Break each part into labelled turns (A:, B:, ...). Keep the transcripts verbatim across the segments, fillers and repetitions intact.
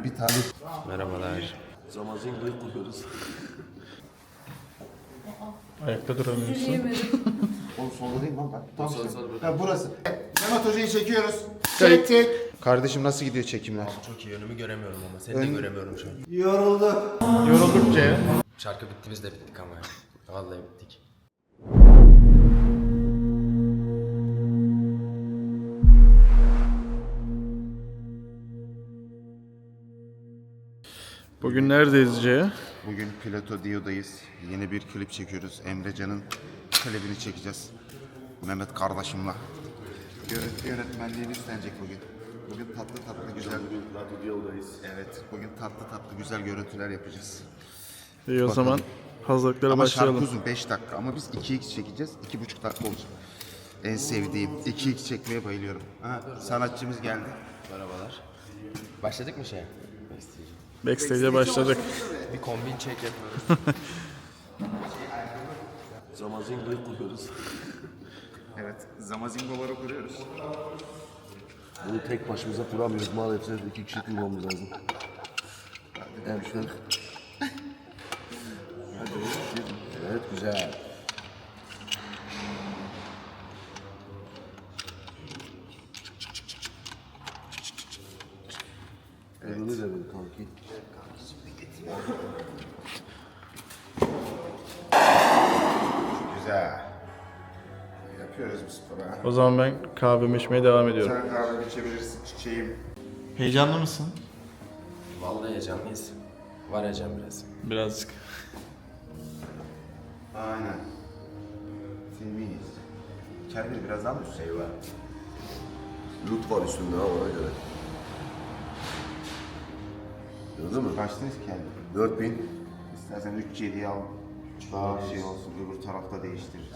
A: bir tane.
B: Merhabalar.
C: Zamazinga'yı kuruyoruz.
D: Ayakta duramıyorsun.
A: Oğlum solda değil mi lan bak. Tam
C: Sol,
A: şey.
C: sol, sol.
A: Ha burası. Mehmet Hoca'yı çekiyoruz. Çektik. Kardeşim nasıl gidiyor çekimler?
B: Çok iyi, önümü göremiyorum ama seni
A: Ön-
B: de göremiyorum şu an.
A: Yorulduk.
D: Yoruldukça ya.
B: Şarkı bitti, biz de bittik ama ya. Vallahi bittik.
D: Bugün neredeyiz C?
A: Bugün Plato Dio'dayız. Yeni bir klip çekiyoruz. Emrecan'ın klibini çekeceğiz. Mehmet kardeşimle. Görüntü yönetmenliğini üstlenecek bugün. Bugün tatlı tatlı güzel.
C: Plato Dio'dayız.
A: Evet, bugün tatlı tatlı güzel görüntüler yapacağız.
D: İyi o
A: Bakalım.
D: zaman hazırlıklara
A: Ama
D: başlayalım.
A: şarkı uzun beş dakika ama biz iki x çekeceğiz. iki buçuk dakika olacak. En sevdiğim. iki x çekmeye bayılıyorum. Ha, sanatçımız geldi.
B: Merhabalar. Başladık mı şey?
D: Backstage'e başladık.
B: Bir kombin check yapıyoruz.
C: Zamazinga'yı kuruyoruz.
A: Evet, zamazingoları kuruyoruz.
C: Bunu tek başımıza kuramıyoruz maalesef. İki kişi kurmamız lazım. Evet. Evet, güzel. Elini de ver kanki.
A: Güzel. Yapıyoruz bu sporu. ha.
D: O zaman ben kahvemi içmeye devam ediyorum.
A: Sen kahve içebilirsin çiçeğim.
D: Heyecanlı mısın?
B: Vallahi heyecanlıyız. Var heyecan biraz.
D: Birazcık.
A: Aynen. Temiz. Kendini biraz daha mı şey var?
C: Lut var üstünde ha ona göre. Gördün mü?
A: Kaçtınız kendi?
C: dört bin.
A: İstersen üç yediyi al. Daha şey olsun, öbür tarafta değiştiririz.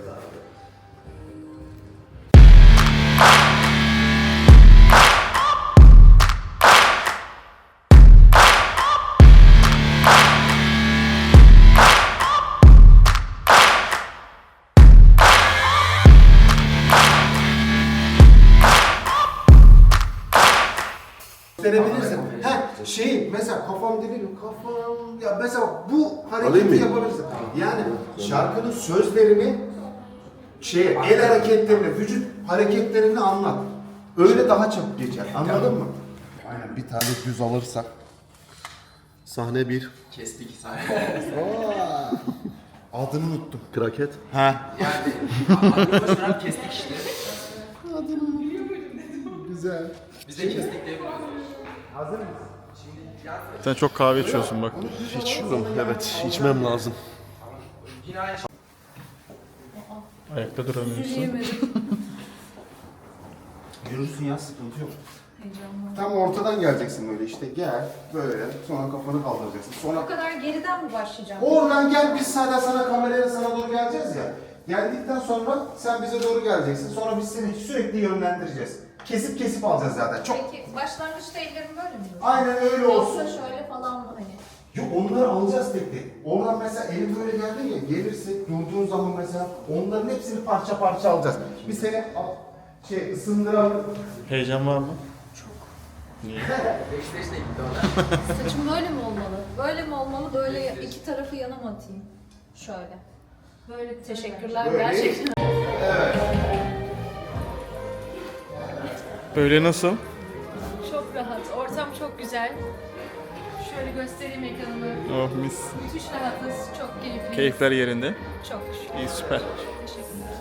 E: Gösterebilirsin. Ha şey mesela kafam değil kafam ya mesela bu
C: Alayım
E: hareketi
C: mı?
E: yapabilirsin. Yani şarkının sözlerini şey el hareketlerini, vücut hareketlerini anlat. Öyle daha çabuk geçer. Anladın mı?
A: Aynen, bir tane düz alırsak.
C: Sahne bir.
B: Kestik.
A: Adını unuttum.
C: Kraket.
A: Ha.
B: Yani kestik işte.
A: Güzel.
B: Biz de kestik diye
D: Sen çok kahve içiyorsun bak.
C: İçiyorum evet. İçmem lazım.
D: Ayakta duramıyorsun.
A: Yürürsün ya, sıkıntı yok. Tam ortadan geleceksin böyle işte, gel böyle, sonra kafanı kaldıracaksın.
F: O
A: Sonra
F: kadar geriden mi başlayacağım?
A: oradan gel, biz sana sana kamerayla sana doğru geleceğiz ya. Geldikten sonra sen bize doğru geleceksin. Sonra biz seni sürekli yönlendireceğiz. Kesip kesip alacağız zaten. Çok.
F: Peki başlangıçta ellerim böyle mi?
A: Aynen öyle olsun.
F: Yoksa şöyle falan mı hani?
A: Yok, onları alacağız tek tek. Oradan mesela elim böyle geldi ya, gelirse durduğun zaman mesela onların hepsini parça parça alacağız. Biz seni al, şey ısındıralım.
D: Heyecan var mı?
B: Backstage'de gitti ona.
F: Saçım böyle mi olmalı? Böyle mi olmalı? Böyle iki tarafı yana mı atayım? Şöyle. Böyle teşekkürler
A: Böyle.
F: gerçekten.
D: Böyle nasıl?
F: Çok rahat. Ortam çok güzel. Şöyle göstereyim ekranımı.
D: Oh mis.
F: Müthiş rahatız. Çok keyifli.
D: Keyifler yerinde.
F: Çok şükür.
D: İyi, süper.
F: Teşekkürler.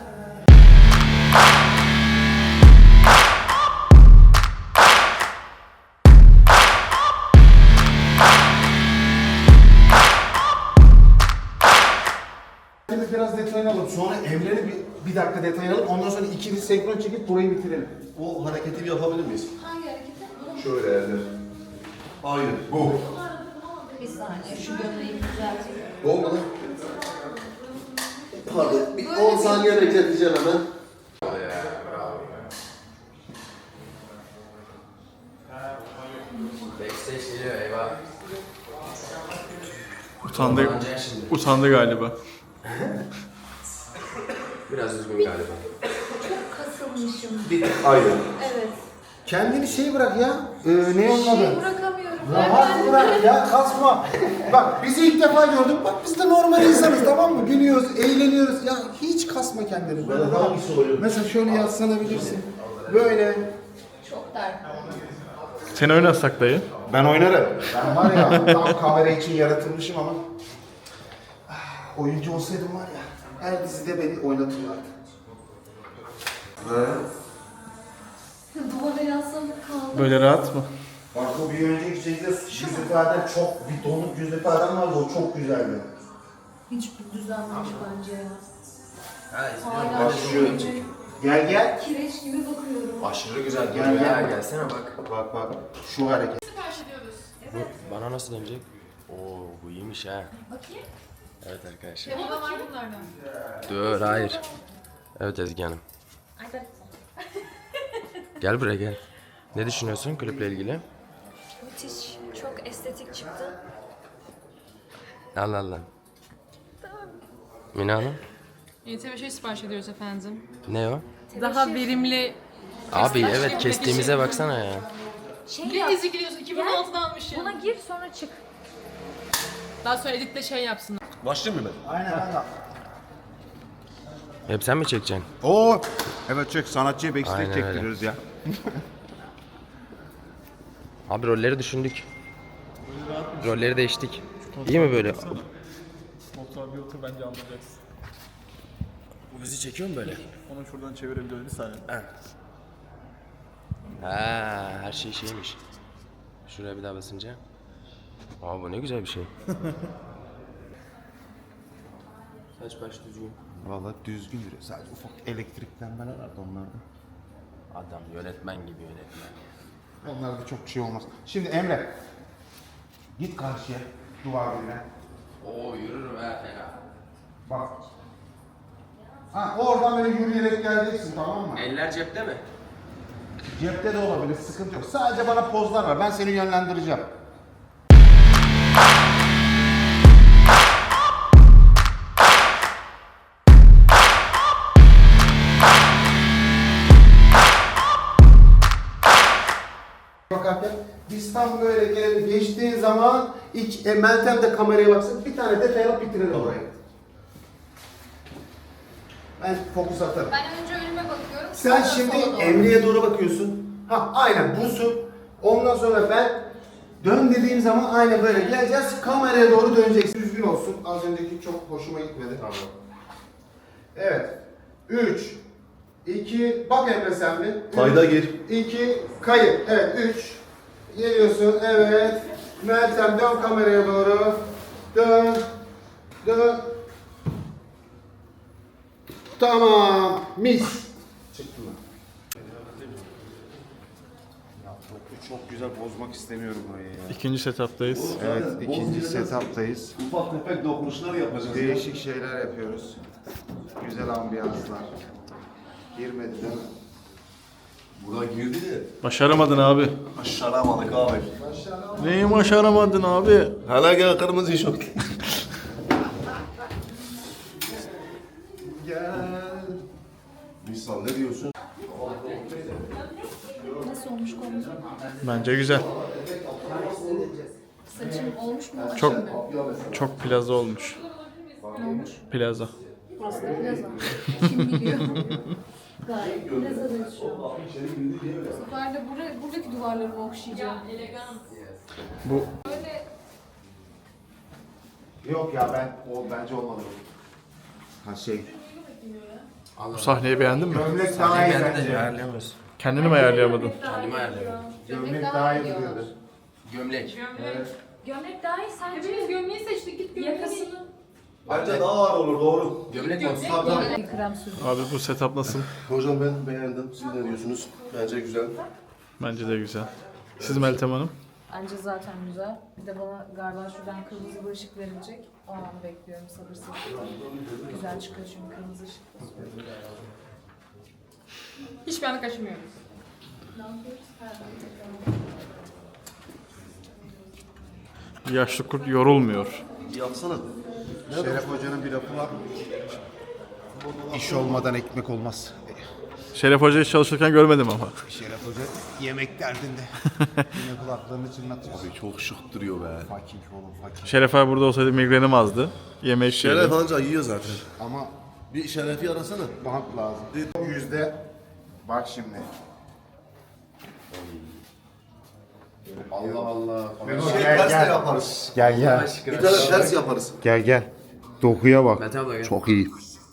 A: Şimdi biraz detayını alalım. Sonra Emre'nin bir, bir dakika detayını alalım. Ondan sonra ikili senkron çekip burayı bitirelim.
C: O hareketi bir yapabilir miyiz?
F: Hangi hareketi?
C: Şöyle eller. Aynen. Bu.
F: Bir saniye. Şu gömleği düzelteyim.
C: Olmadı. Pardon. Bir on saniye bekleteceğim hemen.
B: Backstage geliyor, eyvah.
D: Utandı,
B: Kullanacak şimdi.
D: utandı galiba.
B: Biraz üzgün galiba.
F: Çok kasılmışım.
C: Aynen.
F: Evet.
A: Kendini şey bırak ya. Ee, ne onun
F: Şey
A: adı?
F: bırakamıyorum
E: Rahat bırak ya, kasma. Bak bizi ilk defa gördün. Bak biz de normal insanız, tamam mı? Gülüyoruz, eğleniyoruz. Ya hiç kasma kendini. Böyle rahat.
C: Hangisi oluyor?
E: Mesela şöyle yaslanabilirsin. Böyle.
F: Çok dert.
D: Seni oynatsak dayı.
E: Ben oynarım. Ben var ya tam kamera için yaratılmışım ama. Ah, oyuncu olsaydım var ya, her dizide beni oynatırlardı. Ve
F: Duvara yaslanıp kaldım.
D: Böyle rahat mı?
E: bak o bir önceki şeyde yüz ifadem çok, bir donuk yüz ifadem vardı, o çok güzeldi.
F: Hiç düzenlemiş bence ya.
B: Ha, izliyorum.
F: Hala
E: Başlıyor.
F: böyle
E: Gel gel.
F: kireç gibi bakıyorum.
B: Aşırı güzel
E: Gel,
B: duruyor ya.
E: gel.
B: Gelsene bak.
E: Bak bak şu hareket.
B: Bu bana nasıl dönecek? Oo bu iyiymiş ha.
F: Bakayım.
B: Evet arkadaşlar.
F: Burada var bunlardan.
B: Dur hayır. Evet Ezgi Hanım.
F: Ay ben...
B: Gel buraya gel. Ne düşünüyorsun kliple ilgili?
F: Müthiş. Çok estetik çıktı.
B: Allah Allah. Mina Hanım.
G: Y T V şey sipariş ediyoruz efendim.
B: Ne o?
G: Daha verimli.
B: Abi
G: Kestim.
B: evet kestiğimize baksana ya.
F: Şey
G: Bir
F: yap.
G: ezik gidiyorsun iki bin on altıda almışım.
F: Buna gir sonra çık.
G: Daha sonra editle şey yapsın.
C: Başlayayım mı ben?
E: Aynen aynen.
B: Hep sen mi çekeceksin?
E: Oo. Evet çek, sanatçıya backstage
B: Aynen öyle.
E: çektiriyoruz ya.
B: Abi rolleri düşündük. Rolleri değiştik. İyi mi böyle?
D: Motor bir otur bence anlayacaksın.
B: Bu bizi çekiyor mu böyle?
D: Onu şuradan çevirebiliyoruz bir saniye.
B: Ha, her şey şeymiş. Şuraya bir daha basınca. Aa bu ne güzel bir şey. Saç baş düzgün.
E: Vallahi düzgün duruyor. Sadece ufak elektriklenmeler vardı onlarda.
B: Adam yönetmen gibi yönetmen.
E: Onlarda çok bir şey olmaz. Şimdi Emre. Git karşıya. Duvar dibine.
B: Oo yürürüm ha fena.
E: Bak. Ha oradan böyle yürüyerek geleceksin, tamam mı?
B: Eller cepte mi?
E: Cepte de olabilir, sıkıntı yok. Sadece bana pozlar ver. Ben seni yönlendireceğim. Bakarken biz tam böyle gelelim, geçtiğin zaman ilk e, Meltem de kameraya baksın, bir tane detay alıp bitirelim orayı. Ben fokus atarım.
F: Ben önce önüme bakıyorum.
E: Sen
F: sonra
E: şimdi
F: sola doğru.
E: Emre'ye doğru bakıyorsun. Ha aynen busun. Ondan sonra ben dön dediğim zaman aynen böyle geleceğiz. Kameraya doğru döneceksin. Düzgün olsun. Az önceki çok hoşuma gitmedi. Tamam. Evet. üç, iki, bak Emre sen bir. üç,
C: Kayda gir.
E: iki, kayıt. Evet, üç. Geliyorsun, evet. Meltem dön kameraya doğru. Dön. Dön. Tamam. Mis. Çıktı mı? Ya çok, çok güzel bozmak istemiyorum orayı ya.
D: İkinci setup'tayız.
E: Evet, ikinci setup'tayız.
C: Ufak tefek dokunuşlar yapacağız.
E: Değişik şeyler yapıyoruz. Güzel ambiyanslar. Girmedi değil mi?
C: Burada girdi de.
D: Başaramadın abi.
C: Başaramadık abi.
D: Neyi başaramadın abi?
C: Hala gel kırmızı işok.
E: Gel.
C: Misal ne diyorsun?
F: Nasıl olmuş kolum?
D: Bence güzel.
F: Saçım olmuş mu?
D: Çok
F: Açayım mı?
D: çok plaza olmuş.
F: Ne olmuş?
D: Plaza.
F: Burası da plaza. Kim biliyor? Gayet plazadayız şu an. Bu sefer de buraya, buradaki duvarları okşayacağım.
D: Bu
F: Böyle
E: Yok ya ben, o bence olmadı. Ha şey.
D: bu sahneyi beğendin mi?
E: Gömlek daha iyi
B: Ben de
E: bence.
B: ayarlayamıyoruz.
D: Kendini mi ayarlayamadın?
B: Kendimi ayarlıyorum.
E: Gömlek daha iyi duruyordu.
B: Gömlek.
F: gömlek daha iyi sence?
G: Hepimiz gömleği seçtik git gömleği.
F: Yakasını.
C: Bence daha ağır olur doğru.
B: Gömlek mi?
F: Krem sürdüm.
D: Abi bu setup nasıl?
C: Hocam ben beğendim. Siz ne diyorsunuz? Bence güzel.
D: Bence de güzel. Siz Meltem Hanım?
F: Bence zaten güzel. Bir de bana galiba şuradan kırmızı bir ışık verilecek. O an bekliyorum sabırsızlıkla. Güzel çıkıyor çünkü kırmızı ışık.
G: Hiçbir anda kaçmıyoruz.
F: Ne yapıyoruz?
D: Yaşlı kurt yorulmuyor.
C: Yapsana.
E: Şeref Hoca'nın bir lafı var. İş olmadan ekmek olmaz.
D: Şeref Hoca hiç çalışırken görmedim ama.
A: Şeref Hoca yemek derdinde. Yine kulaklarını çınlatıyor.
C: Abi çok şık duruyor be.
A: Fakir oğlum fakir.
D: Şeref abi burada olsaydı migrenim azdı. Yemek
C: Şeref
D: yiyordu.
C: anca yiyor zaten.
A: Ama
C: Bir Şeref'i arasana.
A: bant lazım. Yüzde bak şimdi. Allah Allah.
C: Şey, ters de yaparız.
A: Gel gel.
C: Bir tane ters yaparız.
A: Gel gel. Dokuya bak.
B: Mete abla gel.
C: Çok iyi.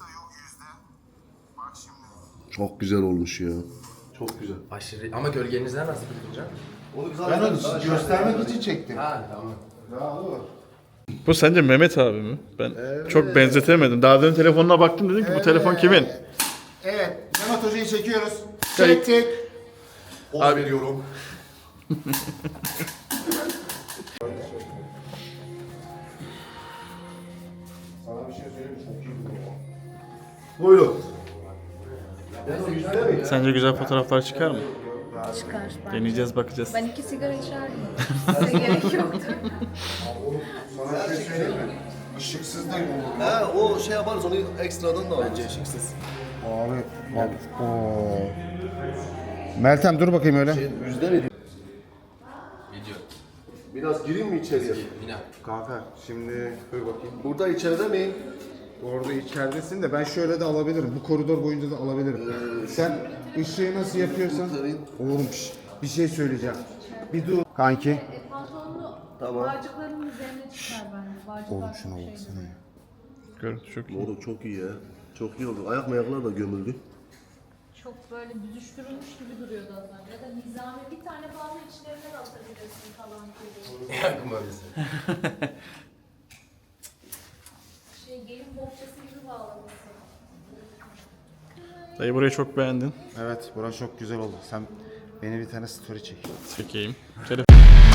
C: Çok güzel olmuş ya. Çok güzel.
B: Aşırı. Ama gölgenizden nasıl tutunca?
C: Onu biz
A: Ben onu göstermek için çektim.
B: Ha tamam.
D: Bu sence Mehmet abi mi? Ben çok benzetemedim. Daha demin telefonuna baktım dedim ki bu telefon kimin?
A: Evet. Mehmet Hoca'yı çekiyoruz.
D: Kayıt.
A: Çektik.
C: Abi veriyorum.
A: Sana bir şey söyleyeyim mi? Çok iyi bu.
C: Buyurun.
D: Sence güzel fotoğraflar çıkar mı?
F: Çıkar ben.
D: Deneyeceğiz, bakacağız.
F: Ben iki sigara içerdim. Size gerek yoktu.
A: Sana bir şey söyleyeyim mi? Işıksız da olur.
C: He o şey yaparız onu ekstradan da alacağız. Işıksız.
A: Abi bak. Oo. Meltem dur bakayım öyle.
C: Yüzde mi?
B: Video.
C: Biraz gireyim mi içeriye?
B: Yine.
A: Kanka şimdi dur bakayım.
C: Burada içeride miyim?
A: Orada içeridesin de ben şöyle de alabilirim. Bu koridor boyunca da alabilirim. Sen ışığı nasıl yapıyorsan. Oğlum şş, bir şey söyleyeceğim. Bir dur. Kanki.
F: E, pantolonlu
C: Tamam.
F: bağcıkların üzerine çıkar bence. Bağcıklar
A: Oğlum şuna
F: çok şey.
A: baksana ya.
D: Görüntü çok iyi.
C: Oğlum çok iyi ya. Çok iyi oldu. Ayak mayaklar da gömüldü.
F: Çok böyle büzüştürülmüş gibi duruyordu az önce. Ya da nizami bir tane fazla içlerine de atabilirsin falan gibi.
B: Yakın öylesi.
F: Şey gelin bohçası gibi bağlamışsın.
D: Dayı burayı çok beğendin.
A: Evet burası çok güzel oldu. Sen beni bir tane story çek.
D: Çekeyim. Şeref.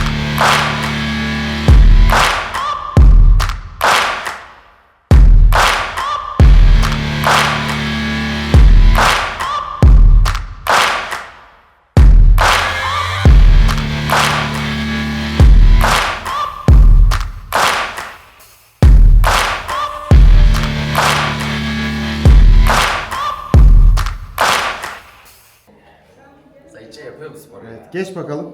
B: Sayıcı yapıyor mu sporu?
A: Evet geç bakalım.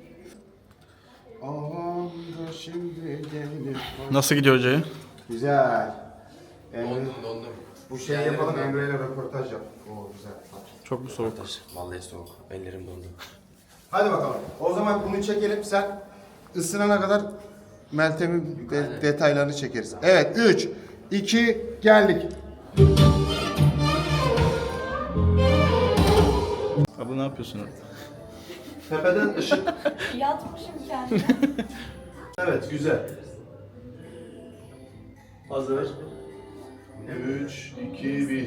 A: Ağam da şimdi gelir.
D: Nasıl gidiyor hocayı?
A: Güzel. Emre,
B: Dondum dondum.
A: bu şeyi yapalım Emre ile röportaj yap. Oo güzel.
D: Çok mu soğuk?
B: Vallahi soğuk. Ellerim dondu.
A: Hadi bakalım. O zaman bunu çekelim. Sen ısınana kadar Meltem'in de- detaylarını çekeriz. Evet üç, iki, geldik.
D: Abla ne yapıyorsun orada?
C: Tepeden ışık.
F: Yatmışım kendime.
C: Evet güzel. Hazır. üç, iki, bir.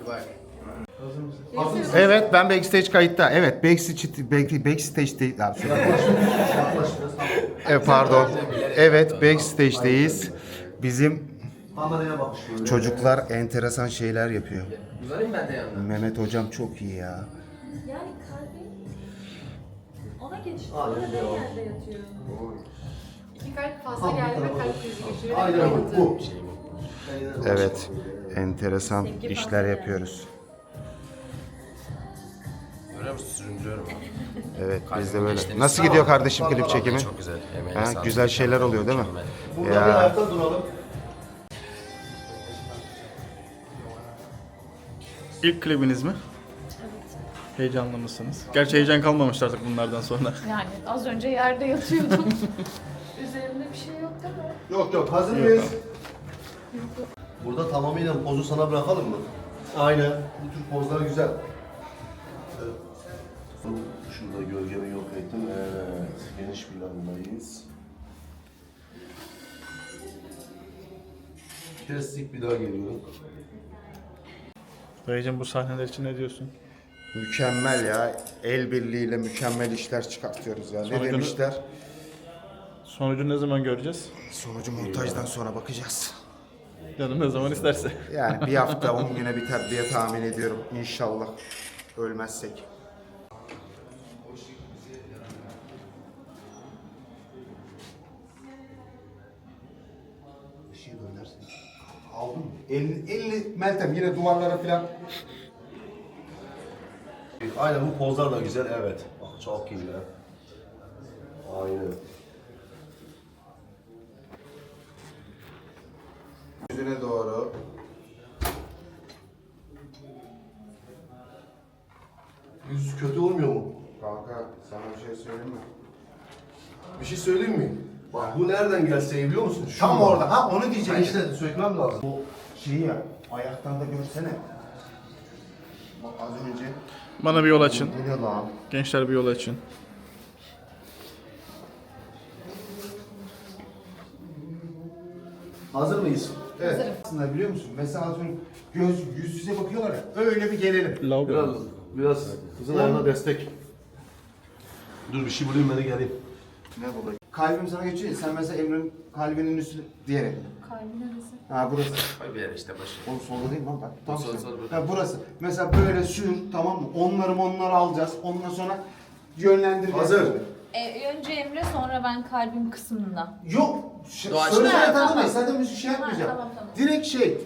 A: Evet ben backstage kayıtta. Evet backstage back, backstage'deyiz. Abi, şöyle- evet pardon. Evet backstage'deyiz. Bizim
C: Kameraya bakış böyle.
A: çocuklar enteresan şeyler yapıyor.
B: Uzanayım ben de yanına.
A: Mehmet hocam çok iyi ya.
F: Yani kalbim ona geçti. Orada yerde yatıyor.
G: İki kalp fazla geldi ve kalp krizi geçiriyor.
C: Aynen bu. bu.
A: Evet enteresan işler yapıyoruz.
B: Görüyor musun? Süründürüyorum.
A: Evet biz de
B: Kalbim
A: böyle.
B: geçti.
A: Nasıl gidiyor kardeşim klip çekimi?
B: Çok güzel. Emeğine
A: Ha,
B: sağlık.
A: güzel şeyler oluyor değil mi?
B: Mükemmel.
C: Burada bir ayakta duralım.
D: İlk klibiniz mi? Heyecanlı mısınız? Gerçi heyecan kalmamıştı artık bunlardan sonra.
F: Yani az önce yerde yatıyordum. Üzerimde bir şey yok değil mi?
C: Yok yok hazır mıyız? Burada tamamıyla pozu sana bırakalım mı? Aynen. Bu tür pozlar güzel. Evet. Şurada gölgemi yok ettim. Evet. Geniş plandayız. Kestik bir daha geliyorum.
D: Dayıcım bu sahneler için ne diyorsun?
A: Mükemmel ya. El birliğiyle mükemmel işler çıkartıyoruz ya. Ne
D: Sonucunu-
A: demişler?
D: Sonucu ne zaman göreceğiz?
A: Sonucu montajdan sonra bakacağız.
D: Canım ne zaman isterse.
A: Yani bir hafta on güne biter diye tahmin ediyorum. İnşallah ölmezsek. Işığı dönersin. Aldın mı? elli, elli Meltem yine duvarlara falan.
C: Aynen bu pozlar da güzel, evet. Bak çok iyi ya. Aynen.
E: Yüzüne doğru.
C: Yüz kötü olmuyor mu?
E: Kanka sana bir şey söyleyeyim mi?
C: Bir şey söyleyeyim mi? Bak bu nereden gelse biliyor musun? Şu
E: Tam
C: mu?
E: orada. Ha onu
C: Ben
E: diyeceğim işte.
C: işte sökmem lazım.
E: Bu şeyi ya, ayaktan da görsene. Bak az önce.
D: Bana bir yol açın.
E: Bu ne lan?
D: Gençler bir yol açın.
C: Hazır mıyız?
E: Evet. Aslında biliyor musun? Mesela az önce göz yüz yüze bakıyorlar ya. Öyle bir gelelim.
C: Biraz, biraz kızın ayağına destek. Dur bir şey bulayım beni geleyim.
E: Ne bulayım? Kalbim sana geçiyor ya. Sen mesela Emre'nin kalbinin üstü diyerek.
F: Kalbi neresi?
E: Ha burası.
B: Koy bir yere işte başı.
E: Oğlum solda değil mi lan bak. Tam
B: Sol,
E: işte.
B: sol, burada.
E: Ha burası. Mesela böyle sür, tamam mı? Onları onları alacağız. Ondan sonra yönlendireceğiz.
C: Hazır.
F: E, önce Emre sonra ben kalbim kısmında.
E: Yok. Ş-
B: Doğaç-
E: Söyle
F: Ha,
E: zaten
F: tamam.
E: değil. Zaten bir şey yapmayacağım.
F: tamam, tamam.
E: Direkt şey.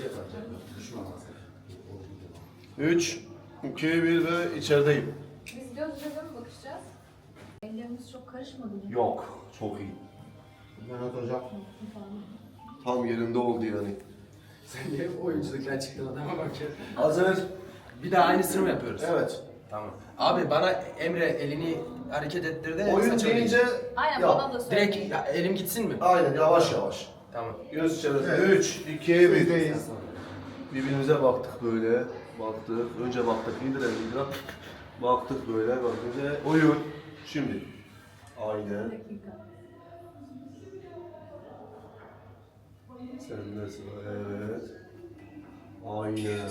C: üç, iki, bir ve içerideyim.
F: Biz göz göze mi bakışacağız? Ellerimiz çok karışmadı mı?
C: Yok, çok iyi.
E: Mehmet hocam.
C: Tam yerinde oldu yani.
B: Sen niye oyunculuktan çıktın adama bak ya.
C: Hazır.
B: Bir daha aynısını mı yapıyoruz?
C: Evet.
B: Tamam. Abi bana Emre elini hareket ettirdi.
C: Oyun
B: saçını
C: deyince
B: değiştir.
F: Aynen
C: yap.
F: bana da söyle.
B: Direkt ya, elim gitsin mi?
C: Aynen yavaş yavaş.
B: Tamam.
C: Göz içerisinde.
E: Evet.
C: üç, iki, bir.
E: Bizdeyiz.
C: Birbirimize baktık böyle. Baktık. Önce baktık. İndir elini biraz. Baktık böyle. Bakınca oyun. Şimdi. Aynen. Sen de sıra. Evet. Aynen.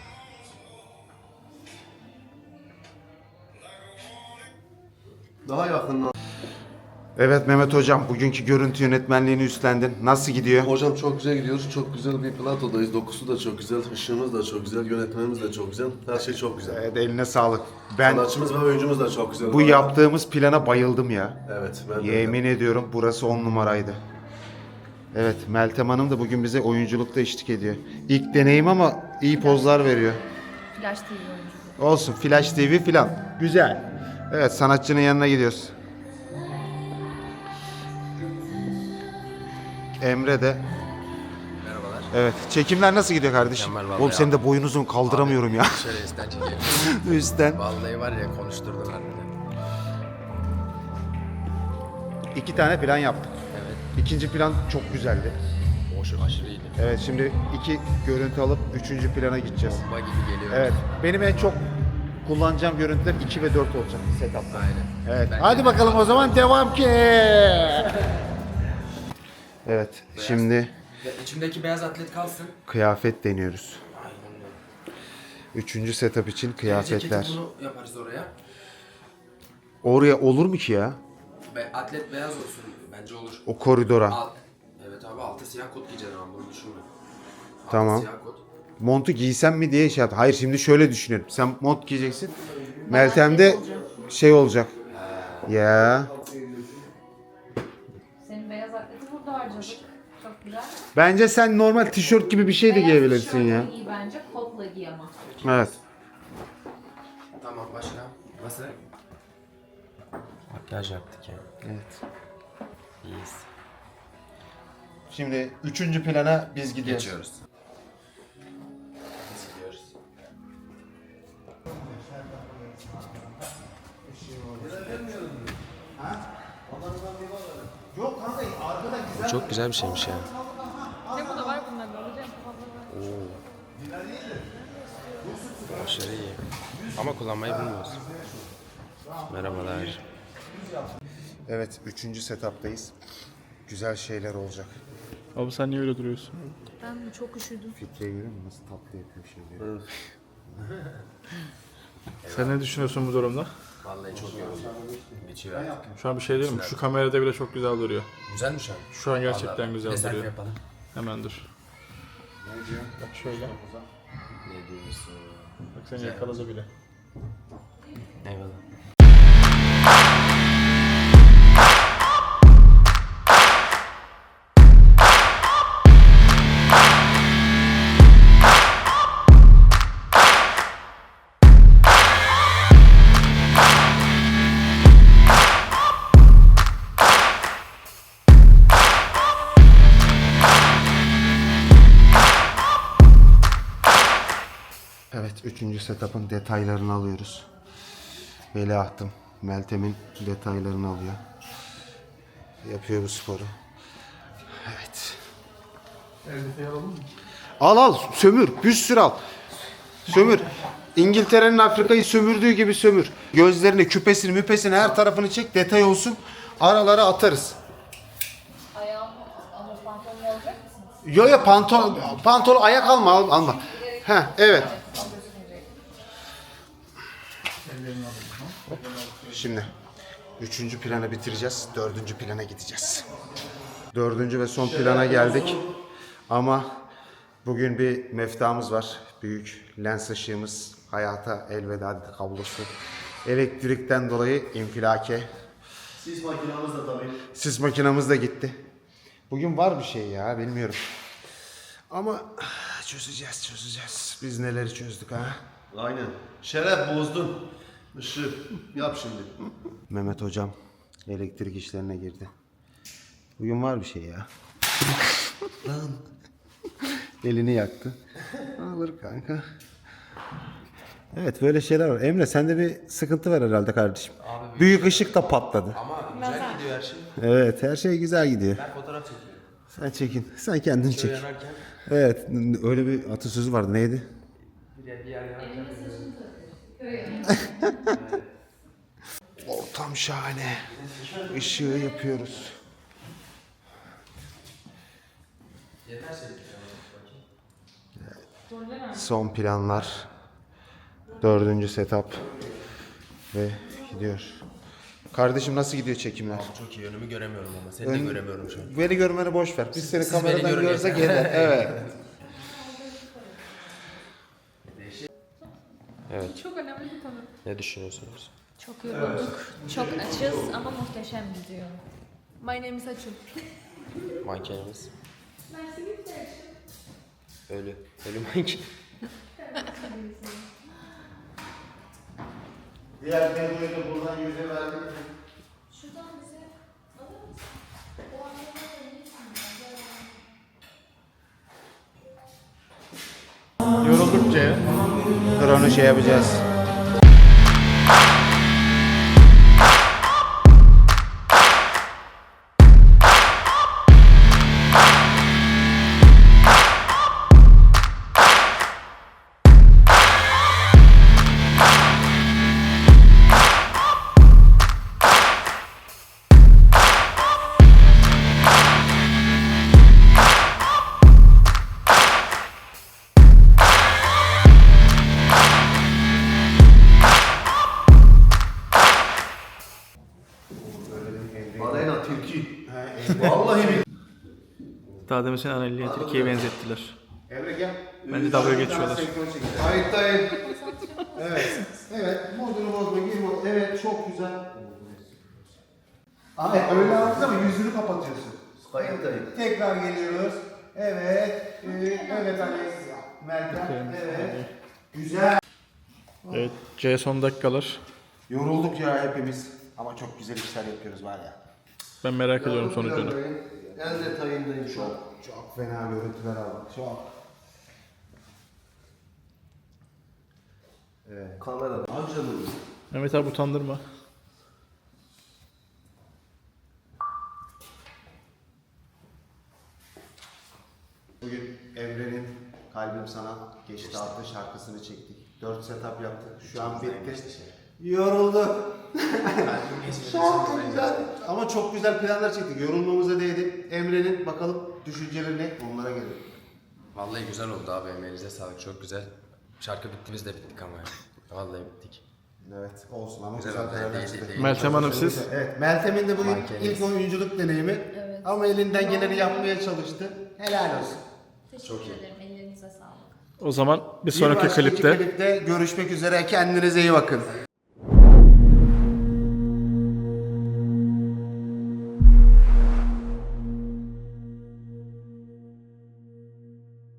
C: Daha yakından.
A: Evet Mehmet hocam, bugünkü görüntü yönetmenliğini üstlendin. Nasıl gidiyor?
C: Hocam çok güzel gidiyoruz. Çok güzel bir platodayız. Dokusu da çok güzel. Işığımız da çok güzel. Yönetmenimiz de çok güzel. Her şey çok güzel.
A: Evet, eline sağlık. Ben
C: Sanatçımız ve oyuncumuz da çok güzel.
A: bu yaptığımız plana bayıldım ya.
C: Evet. Ben de.
A: Yemin ediyorum burası on numaraydı. Evet, Meltem Hanım da bugün bize oyunculukta eşlik ediyor. İlk deneyim ama iyi pozlar veriyor.
F: Flash T V oyuncu.
A: Olsun, Flash T V filan. Güzel. Evet, sanatçının yanına gidiyoruz. Emre de.
B: Merhabalar.
A: Evet, çekimler nasıl gidiyor kardeşim?
B: Mükemmel vallahi
A: Oğlum senin
B: ya.
A: de boyun uzun, kaldıramıyorum ya.
B: Şöyle üstten çekelim.
A: Üstten.
B: Vallahi var ya konuşturdun harbiden.
A: İki tane plan yaptık.
B: Evet.
A: İkinci plan çok güzeldi.
B: Hoş, aşırı iyiydi.
A: Evet, şimdi iki görüntü alıp üçüncü plana gideceğiz.
B: Bomba gibi geliyor.
A: Evet, benim en çok kullanacağım görüntüler iki ve dört olacak setup'ta.
B: Aynen.
A: Evet.
B: Bence
A: Hadi
B: de.
A: bakalım o zaman devam ki. Evet. Şimdi
B: Ya içimdeki beyaz atlet kalsın.
A: kıyafet deniyoruz. Üçüncü setup için kıyafetler.
B: Ceketi bunu yaparız oraya.
A: Oraya olur mu ki ya?
B: Be atlet beyaz olsun. Bence olur.
A: O koridora.
B: Alt. Evet abi altı siyah kot giyeceksin ama bunu düşünme. Altı
A: Tamam.
B: siyah kot.
A: Montu giysem mi diye şey yaptım. Hayır, şimdi şöyle düşünüyorum. Sen mont giyeceksin. Meltem'de şey olacak. Ya.
F: Senin beyaz atleti burada harcadık. Çok güzel.
A: Bence sen normal tişört gibi bir şey de
F: Beyaz
A: giyebilirsin
F: tişörtle
A: ya.
F: giy bence kotla giy ama.
A: Evet.
B: Tamam başka. Nasıl? Makyaj yaptık ya.
A: Evet.
B: İyiyiz.
A: Şimdi üçüncü plana biz gidiyoruz.
B: Geçiyoruz. Biz gidiyoruz.
E: Yok kanka arkada güzel.
B: Çok güzel bir şeymiş ya.
F: Tempo da var bunların. Alacağım.
B: Aşırı iyi. Ama kullanmayı bilmiyoruz. Merhabalar.
A: Evet, üçüncü setup'tayız. Güzel şeyler olacak.
D: Abi sen niye öyle duruyorsun?
F: Ben çok üşüdüm.
A: Filtreyi görüyor musun? Nasıl tatlı yapıyor şeyleri.
D: Sen ne düşünüyorsun bu durumda?
B: Vallahi çok yoruldum. Bitiyor artık.
D: Şu an bir şey diyeyim mi? Şu kamerada bile çok güzel duruyor.
B: Güzel mi şu an?
D: Şu an gerçekten
B: Vallahi
D: güzel
B: bir de selfie
D: duruyor.
B: yapalım.
D: Hemen dur.
A: Ne diyor?
D: Bak şöyle.
B: Ne diyorsun?
D: Bak seni yakaladı bile.
B: Eyvallah.
E: Evet, üçüncü setup'ın detaylarını alıyoruz. Veliahtım, Meltem'in detaylarını alıyor. Yapıyor bu sporu. Evet. Al al, sömür, bir sürü al. Sömür. İngiltere'nin Afrika'yı sömürdüğü gibi sömür. Gözlerini, küpesini, müpesini her tarafını çek, detay olsun. Aralara atarız.
F: Ayağım ama pantolon alacak mısınız?
E: Yo yo pantol, pantol ayak alma, al- alma. Heh, evet. Şimdi üçüncü planı bitireceğiz. Dördüncü plana gideceğiz. Dördüncü ve son plana geldik. Ama bugün bir meftamız var. Büyük lens ışığımız. Hayata elveda dedi kablosu. Elektrikten dolayı infilake.
C: Sis makinamız da tabii.
E: Sis makinamız da gitti. Bugün var bir şey ya, bilmiyorum. Ama çözeceğiz, çözeceğiz. Biz neleri çözdük ha?
C: Aynen. Şeref bozdun. Işık. Yap şimdi.
E: Mehmet hocam elektrik işlerine girdi. Bugün var bir şey ya. Lan. Elini yaktı. Alır kanka. Evet, böyle şeyler var. Emre, sende bir sıkıntı var herhalde kardeşim. Büyük ışık da patladı.
B: Ama güzel gidiyor her şey.
E: Evet, her şey güzel gidiyor.
B: Ben fotoğraf çekiyorum.
E: Sen çekin. Sen kendin çek.
B: Yanarken
E: Evet, öyle bir atasözü vardı. Neydi?
B: bir yer, bir yer yanarken.
E: Ortam şahane. Işığı yapıyoruz. Son planlar. Dördüncü setup. Ve gidiyor. Kardeşim nasıl gidiyor çekimler?
B: Çok iyi, önümü göremiyorum ama seni de
E: Ön-
B: göremiyorum şu an.
E: Beni görmeni boş ver. Biz seni
B: Siz beni
E: kameradan
B: görün
E: görsek
B: yeter.
E: yeter. Evet.
B: Evet.
F: Çok önemli bir konu.
B: Ne düşünüyorsunuz?
F: Çok yorulduk. Çok açız ama muhteşem gidiyor. My name is Açıl.
B: Mankenimiz. Ölü. Ölü manken.
E: Diğer videoyu da buradan yüze verdik.
F: Şuradan bize alır mısın? O anlamda
D: Yoruldukça ya.
E: Drone'u şey yapacağız.
C: Aleyna tilki. Vallahi bir.
D: Daha demin seni Anali'ye Türkiye'ye benzettiler.
E: Emre gel.
D: Bence dalga geçiyorlar.
E: Kayıttayım. Evet. Evet. Modunu bozma. Gir mod. Evet. Çok güzel. Abi öyle yaptın ama yüzünü kapatıyorsun.
C: Kayıttayım.
E: Tekrar geliyoruz. Evet. Ee, evet Ali. Meltem. Evet. Güzel.
D: Evet, C son dakikalar.
E: Yorulduk ya hepimiz. Ama çok güzel işler yapıyoruz var ya.
D: Ben merak ediyorum sonucunu.
C: En detayındayım şu an.
E: Çok fena görüntüler aldık. Çok.
C: Kamera. Amcanın.
D: Mehmet abi utandırma.
E: Bugün Emre'nin Kalbim Sana Geçti adlı şarkısını çektik. dört setup yaptık. Şu an bitti. Yorulduk. Çok güzel. Ama çok güzel planlar çektik. Yorulmamıza değdi. Emre'nin bakalım düşünceleri ne? Onlara gelelim.
B: Vallahi güzel oldu abi, emeğinize sağlık, çok güzel. Şarkı bitti, biz de bittik ama ya. Vallahi bittik.
E: Evet olsun ama
B: Güzel
E: güzel
B: oldu,
E: karar
B: değil,
E: çıktı.
B: değil, değil.
D: Meltem Hanım siz?
E: Evet, Meltem'in de bugün
B: Mankeniz.
E: ilk oyunculuk deneyimi.
F: Evet.
E: Ama elinden geleni yapmaya çalıştı. Helal olsun.
F: teşekkür ederim. Ellerinize sağlık.
D: O zaman bir
E: Bir
D: sonraki
E: başka
D: klipte
E: klipte görüşmek üzere. Kendinize iyi bakın.